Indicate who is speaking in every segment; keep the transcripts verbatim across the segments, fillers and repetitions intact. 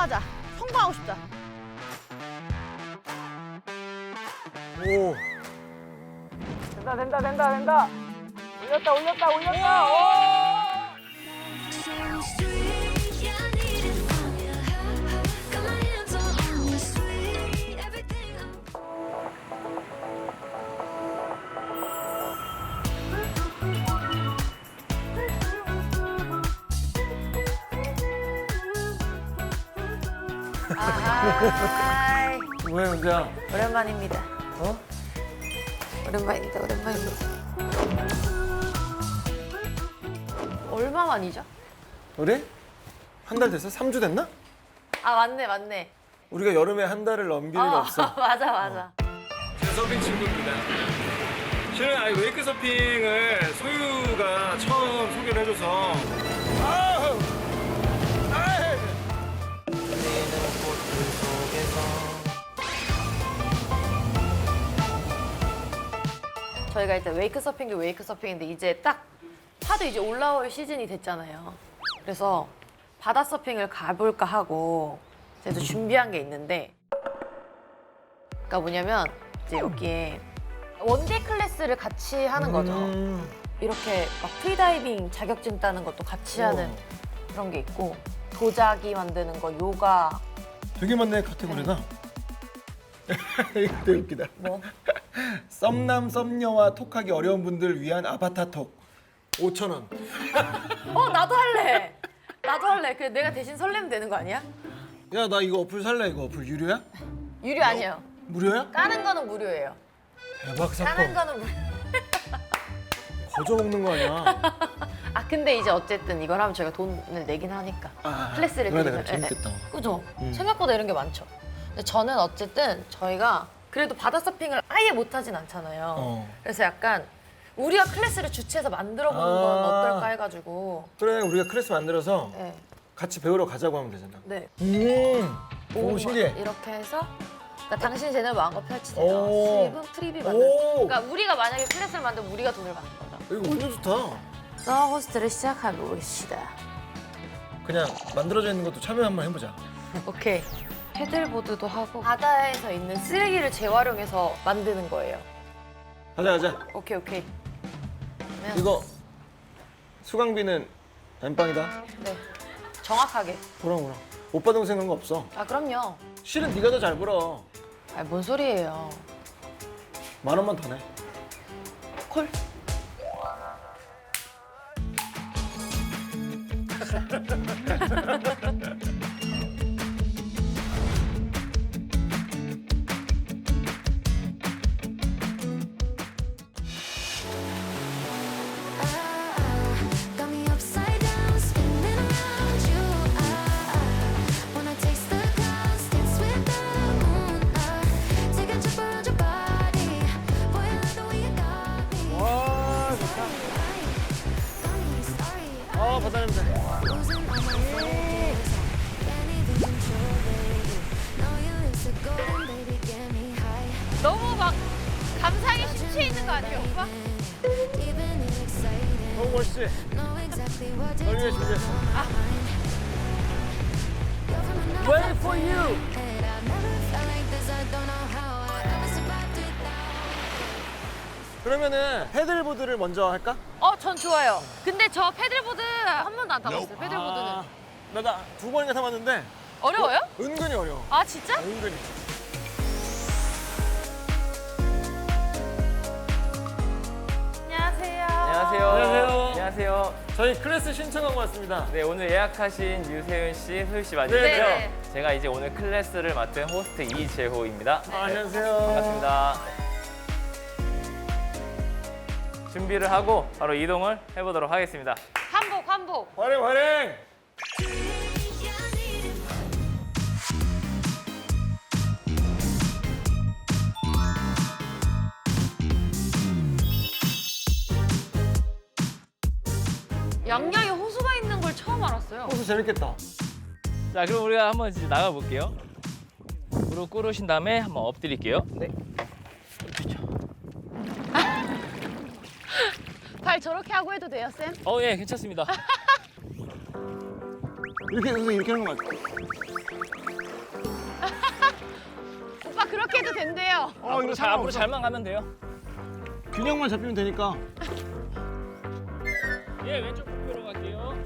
Speaker 1: 성공하자. 성공하고 싶다.
Speaker 2: 오.
Speaker 3: 된다 된다 된다 된다. 올렸다 올렸다 올렸다. 오!
Speaker 1: 아이,
Speaker 2: 왜 은재야?
Speaker 1: 오랜만입니다.
Speaker 2: 어?
Speaker 1: 오랜만입니다. 오랜만입니다. 얼마 만이죠?
Speaker 2: 우리? 한 달 됐어? 삼 주 됐나?
Speaker 1: 아 맞네 맞네.
Speaker 2: 우리가 여름에 한 달을 넘길 일
Speaker 1: 어,
Speaker 2: 없어.
Speaker 1: 맞아 맞아.
Speaker 4: 제 서핑 친구입니다. 실은 아니 웨이크 서핑을 소유가 처음 소개를 해줘서
Speaker 2: 아우! 아이!
Speaker 1: 저희가 일단 웨이크 서핑도 웨이크 서핑인데 이제 딱 파도 이제 올라올 시즌이 됐잖아요. 그래서 바다 서핑을 가볼까 하고 제가 준비한 게 있는데, 그러니까 뭐냐면 이제 여기에 원데이 클래스를 같이 하는 거죠.
Speaker 2: 음.
Speaker 1: 이렇게 막 프리다이빙 자격증 따는 것도 같이 하는
Speaker 2: 우와.
Speaker 1: 그런 게 있고, 도자기 만드는 거, 요가.
Speaker 2: 되게 많네 카테고리가. 이거 되게 웃기다.
Speaker 1: 뭐?
Speaker 2: 썸남 썸녀와 톡하기 어려운 분들 위한 아바타 톡. 오천 원.
Speaker 1: 어 나도 할래. 나도 할래. 그 내가 대신 설레면 되는 거 아니야?
Speaker 2: 야 나 이거 어플 살래. 이거 어플 유료야?
Speaker 1: 유료 아니에요.
Speaker 2: 무료야?
Speaker 1: 까는 거는 무료예요.
Speaker 2: 대박
Speaker 1: 까는
Speaker 2: 사건.
Speaker 1: 거는 무료.
Speaker 2: 거저 먹는 거 아니야?
Speaker 1: 아 근데 이제 어쨌든 이걸 하면 저희가 돈을 내긴 하니까
Speaker 2: 아,
Speaker 1: 클래스를
Speaker 2: 그러네,
Speaker 1: 드리면
Speaker 2: 그래, 재밌겠다.
Speaker 1: 예, 예. 그죠?
Speaker 2: 음.
Speaker 1: 생각보다 이런 게 많죠. 근데 저는 어쨌든 저희가 그래도 바다 서핑을 아예 못하진 않잖아요.
Speaker 2: 어.
Speaker 1: 그래서 약간 우리가 클래스를 주최해서 만들어 보는 건
Speaker 2: 아.
Speaker 1: 어떨까 해가지고.
Speaker 2: 그래 우리가 클래스 만들어서
Speaker 1: 네.
Speaker 2: 같이 배우러 가자고 하면 되잖아.
Speaker 1: 네.
Speaker 2: 음. 오,
Speaker 1: 오,
Speaker 2: 신기해.
Speaker 1: 이렇게 해서 그러니까 당신 채널 마음껏 펼치세요.
Speaker 2: 오.
Speaker 1: 수입은 프리비 받는.
Speaker 2: 오.
Speaker 1: 그러니까 우리가 만약에 클래스를 만들면 우리가 돈을 받는 거죠.
Speaker 2: 이거 완전 좋다.
Speaker 1: 서 호스트를 시작해봅시다.
Speaker 2: 그냥 만들어져 있는 것도 참여 한번 해보자.
Speaker 1: 오케이. 패들보드도 하고 바다에서 있는 쓰레기를 재활용해서 만드는 거예요.
Speaker 2: 가자 가자.
Speaker 1: 오케이 오케이. 그러면
Speaker 2: 이거 수강비는 엠빵이다.
Speaker 1: 네. 정확하게.
Speaker 2: 보라 보라. 오빠 동생 그런 거 없어.
Speaker 1: 아 그럼요.
Speaker 2: 실은 네가 더 잘 벌어.
Speaker 1: 아 뭔 소리예요.
Speaker 2: 만 원만 더 내.
Speaker 1: 콜.
Speaker 5: Got me upside down, spinning around you. I wanna taste the clouds, dance with the moon. Take a trip around your body. Boy, I love the way you got me.
Speaker 2: 와 좋다.
Speaker 5: Got me starry.
Speaker 2: 아 바다 냄새.
Speaker 5: Losing all my focus. Can't even control, baby. Know you is a golden baby, get me high.
Speaker 1: 너무 막 감상에 심취해 있는 거 아니에요, 오빠?
Speaker 5: Even excited.
Speaker 2: 너무 멋있지?
Speaker 5: Know exactly what to
Speaker 2: 널 위해
Speaker 5: do.
Speaker 2: 준비했어.
Speaker 5: You're from another
Speaker 2: Wait for you.
Speaker 5: planet. I've never felt like this. I don't know how I ever survived without.
Speaker 2: 그러면은 패들보드를 먼저 할까?
Speaker 1: 어, 전 좋아요. 근데 저 패들보드 한 번도 안 타봤어요. 패들보드는.
Speaker 2: 아, 나나 두 번인가 타봤는데
Speaker 1: 어려워요?
Speaker 2: 은근히 어려워.
Speaker 1: 아 진짜?
Speaker 2: 은근히.
Speaker 1: 안녕하세요.
Speaker 6: 안녕하세요.
Speaker 2: 안녕하세요.
Speaker 6: 안녕하세요.
Speaker 2: 저희 클래스 신청하고 왔습니다.
Speaker 6: 네, 오늘 예약하신 유세윤 씨, 소유 씨 맞으시죠?
Speaker 1: 네, 네.
Speaker 6: 제가 이제 오늘 클래스를 맡은 호스트 이재호입니다.
Speaker 2: 아, 안녕하세요.
Speaker 6: 반갑습니다. 준비를 하고 바로 이동을 해보도록 하겠습니다.
Speaker 1: 한복 한복.
Speaker 2: 환영 환영.
Speaker 1: 양양에 호수가 있는 걸 처음 알았어요.
Speaker 2: 호수 재밌겠다.
Speaker 6: 자, 그럼 우리가 한번 이제 나가 볼게요. 무릎 꿇으신 다음에 한번 엎드릴게요. 네.
Speaker 1: 발 저렇게 하고 해도 돼요, 쌤?
Speaker 6: 어, 예, 괜찮습니다.
Speaker 2: 이렇게 선생 이렇게 하는 거 맞죠?
Speaker 1: 오빠 그렇게 해도 된대요.
Speaker 2: 어 이거
Speaker 6: 자, 앞으로
Speaker 2: 상관없어.
Speaker 6: 잘만 가면 돼요.
Speaker 2: 균형만 잡히면 되니까.
Speaker 6: 예, 왼쪽 목표로 갈게요.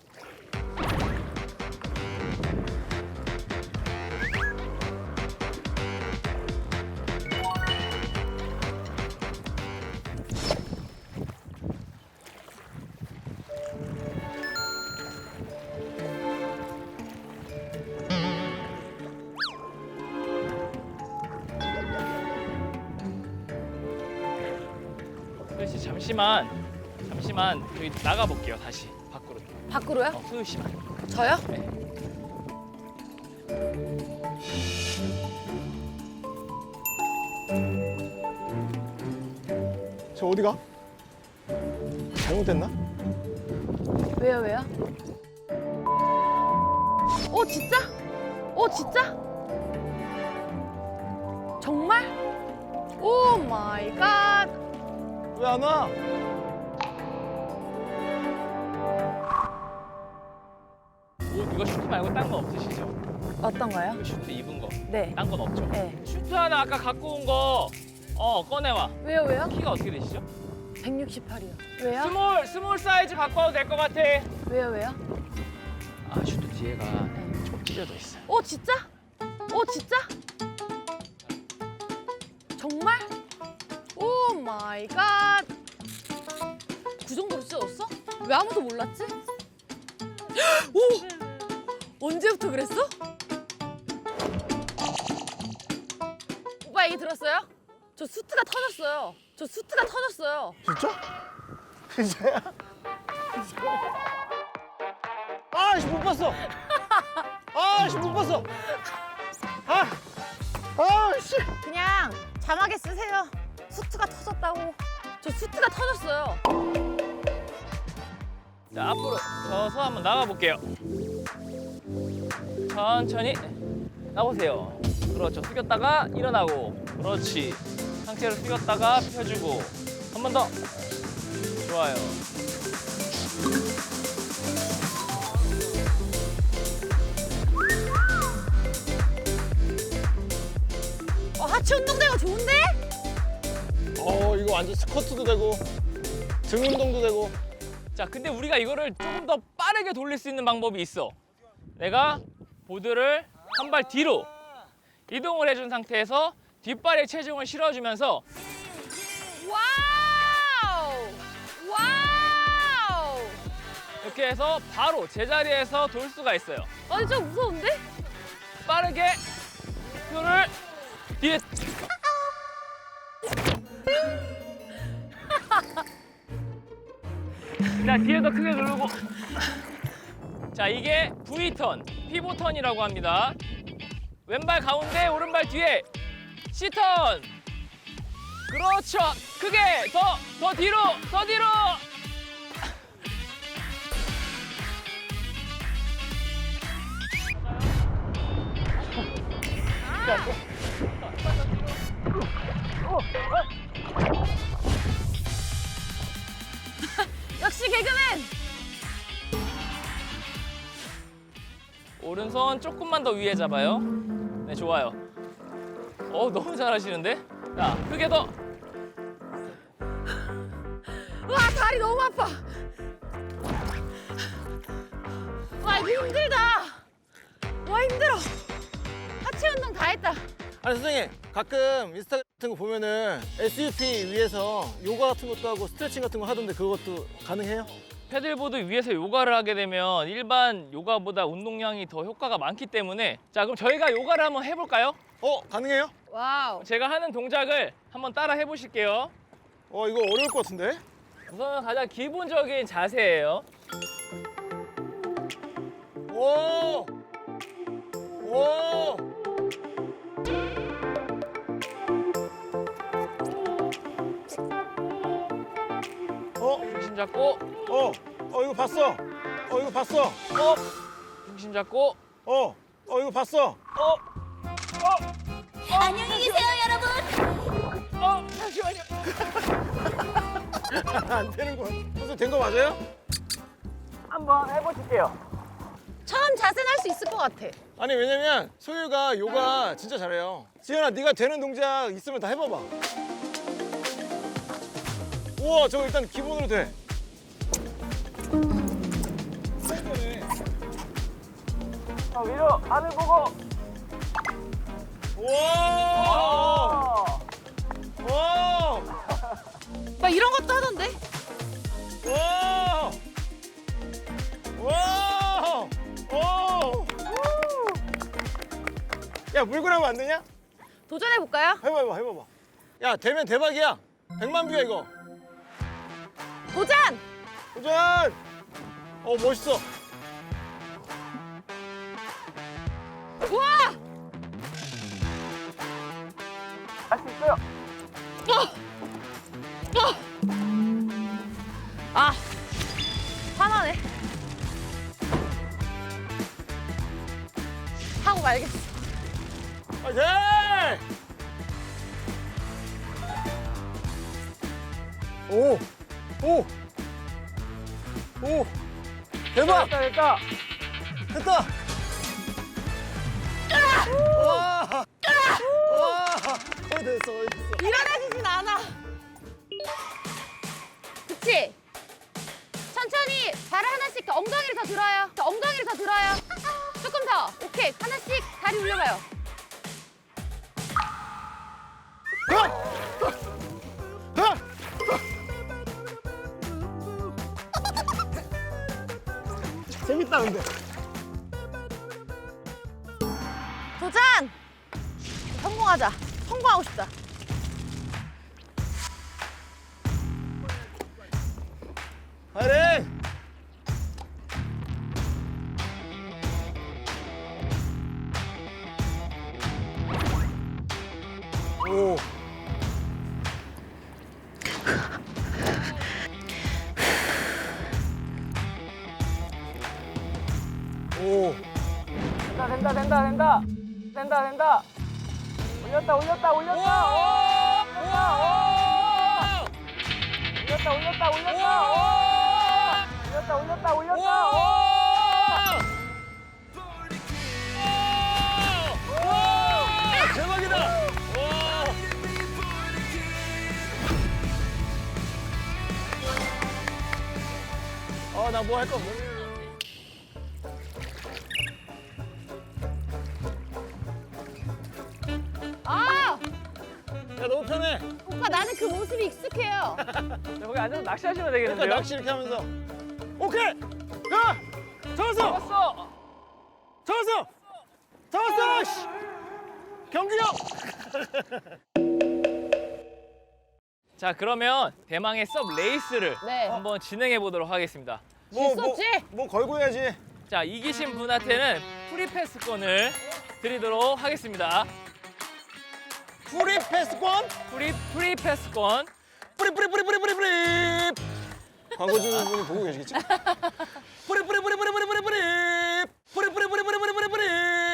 Speaker 6: 소유 씨 잠시만, 잠시만 저기 나가 볼게요. 다시 밖으로.
Speaker 1: 밖으로요?
Speaker 6: 어, 소유 씨만.
Speaker 1: 저요?
Speaker 6: 네.
Speaker 2: 저 어디가? 잘못됐나?
Speaker 1: 왜요 왜요? 오 진짜? 오 진짜? 정말? 오 마이 갓.
Speaker 2: 왜 안 와?
Speaker 6: 옷 이거 슈트 말고 딴 거 없으시죠?
Speaker 1: 어떤가요?
Speaker 6: 이거 슈트 입은 거.
Speaker 1: 네.
Speaker 6: 딴 건 없죠?
Speaker 1: 네.
Speaker 6: 슈트 하나 아까 갖고 온 거. 어, 꺼내와.
Speaker 1: 왜요 왜요?
Speaker 6: 키가 어떻게 되시죠?
Speaker 1: 백육십팔이요. 왜요?
Speaker 6: 스몰, 스몰 사이즈 갖고 와도 될 것 같아.
Speaker 1: 왜요 왜요?
Speaker 6: 아, 슈트 뒤에가 좀 찢어져 있어요.
Speaker 1: 오 진짜? 오 진짜? 정말? 오 마이 갓. 그 정도로 찢어졌어? 왜 아무도 몰랐지? 오! 언제부터 그랬어? 오빠 얘기 들었어요? 저 수트가 터졌어요. 저 수트가 터졌어요.
Speaker 2: 진짜? 진짜야? 아씨 못 봤어. 아씨 못 봤어. 아, 아씨.
Speaker 1: 그냥 자막에 쓰세요. 수트가 터졌다고. 저 수트가 터졌어요.
Speaker 6: 자, 앞으로 서서 한번 나가 볼게요. 천천히 나보세요. 그렇죠. 숙였다가 일어나고. 그렇지. 상체를 숙였다가 펴주고. 한 번 더. 좋아요.
Speaker 1: 어, 하체 운동되고 좋은데?
Speaker 2: 어 이거 완전 스쿼트도 되고 등 운동도 되고.
Speaker 6: 자, 근데 우리가 이거를 조금 더 빠르게 돌릴 수 있는 방법이 있어. 내가 보드를 한 발 뒤로 이동을 해준 상태에서 뒷발에 체중을 실어주면서
Speaker 1: 와우! 와우!
Speaker 6: 이렇게 해서 바로 제자리에서 돌 수가 있어요.
Speaker 1: 아니 좀 무서운데?
Speaker 6: 빠르게 표를 뒤에 자, 뒤에 더 크게 누르고. 자, 이게 V턴, 피보턴이라고 합니다. 왼발 가운데, 오른발 뒤에 C턴. 그렇죠. 크게 더, 더 뒤로, 더 뒤로.
Speaker 1: 역시 개그맨!
Speaker 6: 오른손 조금만 더 위에 잡아요. 네, 좋아요. 어, 너무 잘하시는데? 자, 크게 더.
Speaker 1: 와 다리 너무 아파. 와 이거 힘들다. 와 힘들어. 하체 운동 다 했다.
Speaker 2: 아니 선생님 가끔 인스타 같은 거 보면은 에스유피 위에서 요가 같은 것도 하고 스트레칭 같은 거 하던데 그것도 가능해요?
Speaker 6: 패들보드 위에서 요가를 하게 되면 일반 요가보다 운동량이 더 효과가 많기 때문에 자, 그럼 저희가 요가를 한번 해볼까요?
Speaker 2: 어 가능해요?
Speaker 1: 와우.
Speaker 6: 제가 하는 동작을 한번 따라 해보실게요.
Speaker 2: 어 이거 어려울 것 같은데?
Speaker 6: 우선 가장 기본적인 자세예요.
Speaker 2: 오! 오! 어?
Speaker 6: 중심 잡고,
Speaker 2: 어? 어 이거 봤어? 어 이거 봤어?
Speaker 6: 어, 중심 잡고,
Speaker 2: 어? 어 이거 봤어?
Speaker 6: 어,
Speaker 5: 안녕히 계세요, 여러분.
Speaker 6: 어, 잠시만요.
Speaker 2: 안 되는 거야. 선생님 된 거 맞아요?
Speaker 3: 한번 해보실게요.
Speaker 1: 처음 자 자세는 할 수 있을 것 같아.
Speaker 2: 아니 왜냐면 소유가 요가 진짜 잘해요. 지현아 네가 되는 동작 있으면 다 해봐봐. 우와 저거 일단 기본으로 돼.
Speaker 3: 자, 위로 하늘 보고.
Speaker 2: 우와. 와.
Speaker 1: 막 이런 것도 하던데?
Speaker 2: 와. 와. 오. 야 물구나무 안 되냐?
Speaker 1: 도전해볼까요?
Speaker 2: 해봐봐 해봐봐. 야 되면 대박이야. 백만 뷰야 이거.
Speaker 1: 도전!
Speaker 2: 도전. 어 멋있어.
Speaker 1: 우와!
Speaker 3: 할 수 있어요.
Speaker 1: 아, 화나네. 하고 말겠어.
Speaker 2: 파이팅! 오! 오! 오! 대박!
Speaker 3: 됐다, 됐다.
Speaker 2: 됐다! 와! 와! 거의 됐어, 거의 됐어.
Speaker 1: 일어나지진 않아. 그치? 천천히 발을 하나씩 더 엉덩이를 더 들어요. 더 엉덩이를 더 들어요. 조금 더. 오케이. 하나씩 다리 올려봐요.
Speaker 2: 재밌다, 근데.
Speaker 1: 도전! 성공하자. 성공하고 싶다.
Speaker 2: 파이팅! 오. 오.
Speaker 3: 된다, 된다, 된다, 된다. 된다, 된다. 올렸다, 올렸다, 올렸다. 오! 올렸다, 올렸다, 올렸다. 올렸다, 올렸다, 올렸다.
Speaker 2: 대박이다! 와! 아, 나 뭐 할 거 없네.
Speaker 1: 아!
Speaker 2: 야, 너무 편해.
Speaker 1: 오빠 나는 그 모습이 익숙해요.
Speaker 3: 여기 앉아서 낚시하시면
Speaker 2: 그러니까
Speaker 3: 되겠는데요?
Speaker 2: 낚시 이렇게 하면서. 오케이! 야! 잡았어!
Speaker 3: 잡았어.
Speaker 2: 잡았어! 잡았어! 씨! 경규형!
Speaker 6: 자, 그러면 대망의 섭 레이스를
Speaker 1: 네.
Speaker 6: 한번 진행해 보도록 하겠습니다.
Speaker 2: 뭐,
Speaker 1: 수 없지?
Speaker 2: 뭐, 뭐 걸고 해야지.
Speaker 6: 자, 이기신 분한테는 프리패스권을 드리도록 하겠습니다.
Speaker 2: 프리 패스권?
Speaker 6: 프리 프리패스권.
Speaker 2: 뿌리 뿌리 뿌리 뿌리 뿌리 뿌리. 광고 주는 분이 보고 계시겠지? 뿌리 뿌리 뿌리 뿌리 뿌리 뿌리 뿌리. 뿌리 뿌리 뿌리 뿌리 뿌리 뿌리 뿌리.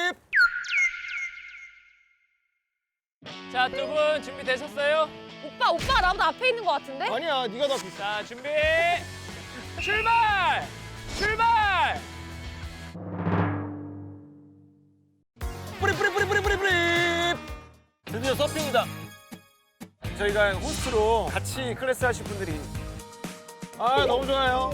Speaker 6: 자, 두 분 준비되셨어요?
Speaker 1: 오빠, 오빠가 나보다 앞에 있는 것 같은데?
Speaker 2: 아니야, 네가 더 비싸.
Speaker 6: 자, 준비. 출발! 출발!
Speaker 2: 뿌리 뿌리 뿌리 뿌리 뿌리 뿌리. 드디어 서핑이다. 저희가 호스트로 같이 클래스 하실 분들이. 아, 너무 좋아요.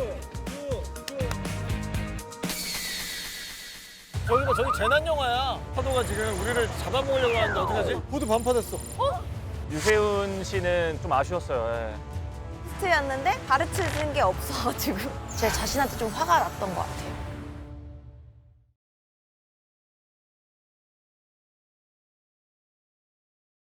Speaker 2: 저기 봐, 저기 재난 영화야. 파도가 지금 우리를 잡아먹으려고 하는데 어떡하지? 보드 반파됐어.
Speaker 3: 유세훈 씨는 좀 아쉬웠어요. 예.
Speaker 1: 스트였는데 가르쳐준 게 없어가지고 제 자신한테 좀 화가 났던 것 같아요.